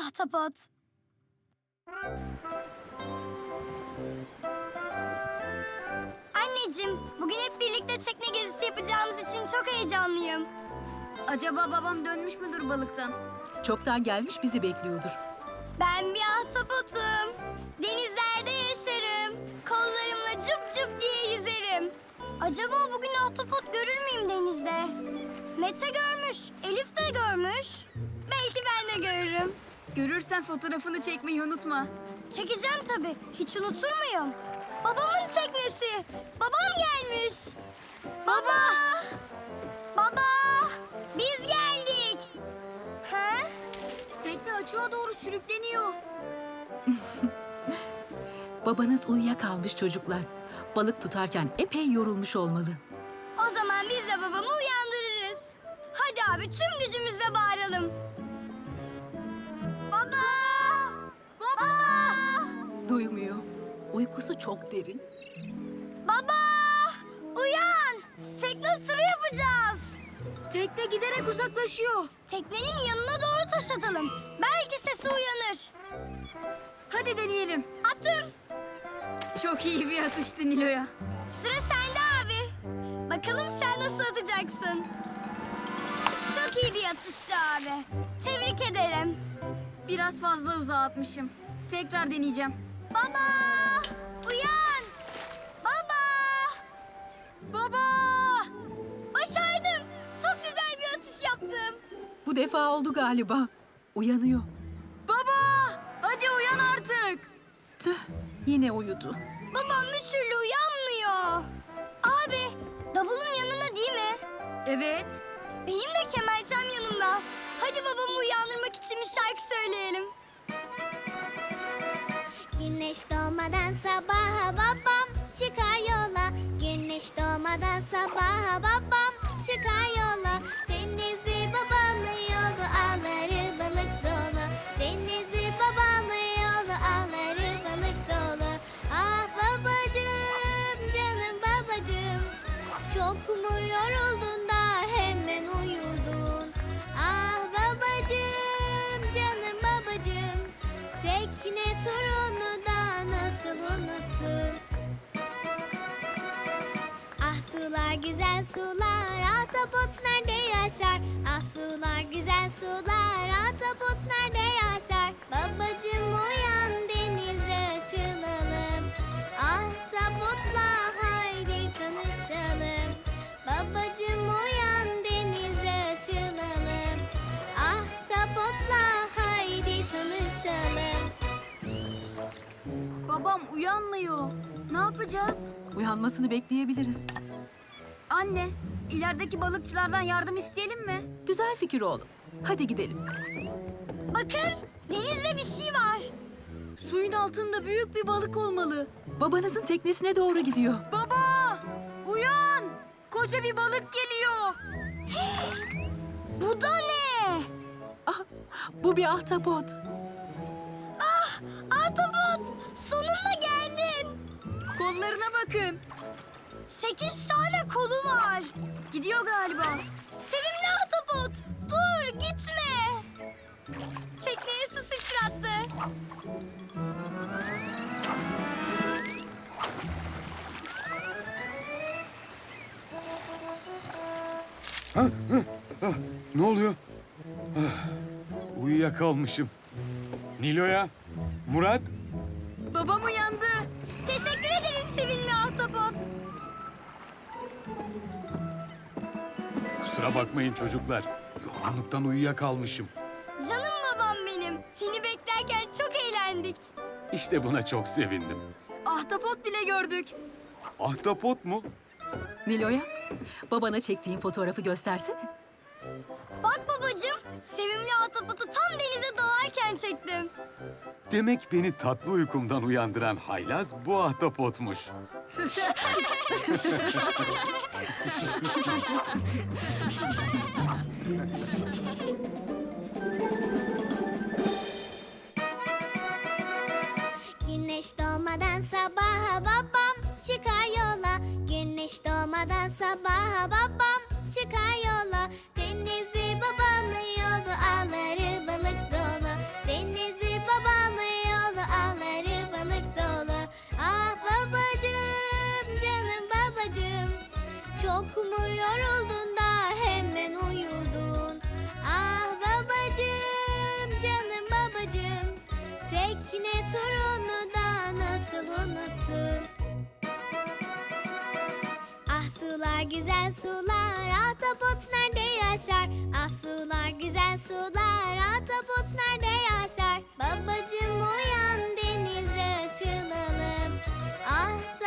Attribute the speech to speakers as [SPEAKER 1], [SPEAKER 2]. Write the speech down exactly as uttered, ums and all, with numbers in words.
[SPEAKER 1] ahtapot. Anneciğim, bugün hep birlikte tekne gezisi yapacağımız için çok heyecanlıyım.
[SPEAKER 2] Acaba babam dönmüş müdür balıktan?
[SPEAKER 3] Çoktan gelmiş bizi bekliyordur.
[SPEAKER 1] Ben bir ahtapotum. Denizlerde yaşarım. Kollarımla cüp cüp diye yüzerim. Acaba bugün ahtapot görür müyüm denizde? Mete görmüş, Elif de görmüş. Belki ben de görürüm.
[SPEAKER 2] Görürsen fotoğrafını çekmeyi unutma.
[SPEAKER 1] Çekeceğim tabii. Hiç unutur muyum? Babamın teknesi. Babam gelmiş. Baba! Baba! Biz geldik. Ha?
[SPEAKER 2] Tekne açığa doğru sürükleniyor.
[SPEAKER 3] Babanız uyuyakalmış çocuklar. Balık tutarken epey yorulmuş olmalı.
[SPEAKER 1] O zaman biz de babamı uyandırırız. Hadi abi tüm gücümüzle bağıralım. Baba! Baba!
[SPEAKER 3] Duymuyor. Uykusu çok derin.
[SPEAKER 1] Baba! Uyan! Tekne turu yapacağız.
[SPEAKER 2] Tekne giderek uzaklaşıyor.
[SPEAKER 1] Teknenin yanına doğru taş atalım. Belki sesi uyanır.
[SPEAKER 2] Hadi deneyelim.
[SPEAKER 1] Attım.
[SPEAKER 2] Çok iyi bir atıştı Nilo'ya.
[SPEAKER 1] Sıra sende abi. Bakalım sen nasıl atacaksın. Çok iyi bir atıştı abi. Tebrik ederim.
[SPEAKER 2] Biraz fazla uzağa atmışım. Tekrar deneyeceğim.
[SPEAKER 1] Baba! Uyan! Baba!
[SPEAKER 2] Baba!
[SPEAKER 1] Başardım. Çok güzel bir atış yaptım.
[SPEAKER 3] Bu defa oldu galiba. Uyanıyor.
[SPEAKER 2] Baba! Hadi uyan artık.
[SPEAKER 3] Tüh, yine uyudu.
[SPEAKER 1] Babam bir türlü uyanmıyor. Abi, davulun yanına değil mi?
[SPEAKER 2] Evet.
[SPEAKER 1] Benim de kemençem yanımda. Hadi babamı uyandırmak için bir şarkı söyleyelim.
[SPEAKER 4] Güneş doğmadan sabaha babam çıkar yola. Güneş doğmadan sabaha babam çıkar yola. Denizli babamın yolu ağları balık dolu. Denizli babamın yolu ağları balık dolu. Ah babacığım canım babacığım, çok mu yoruldun da hemen uyudun? Ah babacığım canım babacığım, tekne turunu da nasıl unuttun? Ah sular güzel sular, ahtapot nerede yaşar? Ah sular güzel sular, ahtapot nerede yaşar? Babacığım uyan denize açılalım. Ahtapotla haydi tanışalım. Babacığım uyan denize açılalım. Ahtapotla haydi tanışalım.
[SPEAKER 2] Babam uyanmıyor. Ne yapacağız?
[SPEAKER 3] Uyanmasını bekleyebiliriz.
[SPEAKER 2] Anne, ilerideki balıkçılardan yardım isteyelim mi?
[SPEAKER 3] Güzel fikir oğlum. Hadi gidelim.
[SPEAKER 1] Bakın, denizde bir şey var.
[SPEAKER 2] Suyun altında büyük bir balık olmalı.
[SPEAKER 3] Babanızın teknesine doğru gidiyor.
[SPEAKER 2] Baba! Uyan! Koca bir balık geliyor.
[SPEAKER 1] Bu da ne?
[SPEAKER 3] Ah, bu bir ahtapot.
[SPEAKER 1] Ahtapot, sonunda geldin.
[SPEAKER 2] Kollarına bakın.
[SPEAKER 1] Sekiz tane kolu var.
[SPEAKER 2] Gidiyor galiba.
[SPEAKER 1] Sevimli ahtapot, dur gitme. Tekneye su sıçrattı.
[SPEAKER 5] Ne oluyor? Ah, uyuyakalmışım. Nilo'ya, Murat,
[SPEAKER 2] Babam uyandı.
[SPEAKER 1] Teşekkür ederim sevimli ahtapot.
[SPEAKER 5] kusura bakmayın çocuklar. Yorgunluktan uyuyakalmışım.
[SPEAKER 1] Canım babam benim. Seni beklerken çok eğlendik.
[SPEAKER 5] İşte buna çok sevindim.
[SPEAKER 2] Ahtapot bile gördük.
[SPEAKER 5] Ahtapot mu?
[SPEAKER 3] Nilo'ya, babana çektiğin fotoğrafı göstersene.
[SPEAKER 1] Bak babacığım, sevimli ahtapotu tam denize dalarken çektim.
[SPEAKER 5] Demek beni tatlı uykumdan uyandıran haylaz bu ahtapotmuş.
[SPEAKER 4] Güneş doğmadan sabaha babam çıkar yola. Güneş doğmadan sabaha babam çıkar yola. Denizli babamın yolu ağları balık dolu. Deniz sular, güzel sular, ahtapot nerede yaşar? Ah sular, güzel sular, ahtapot nerede yaşar? Babacım uyan, denize açılalım. Ah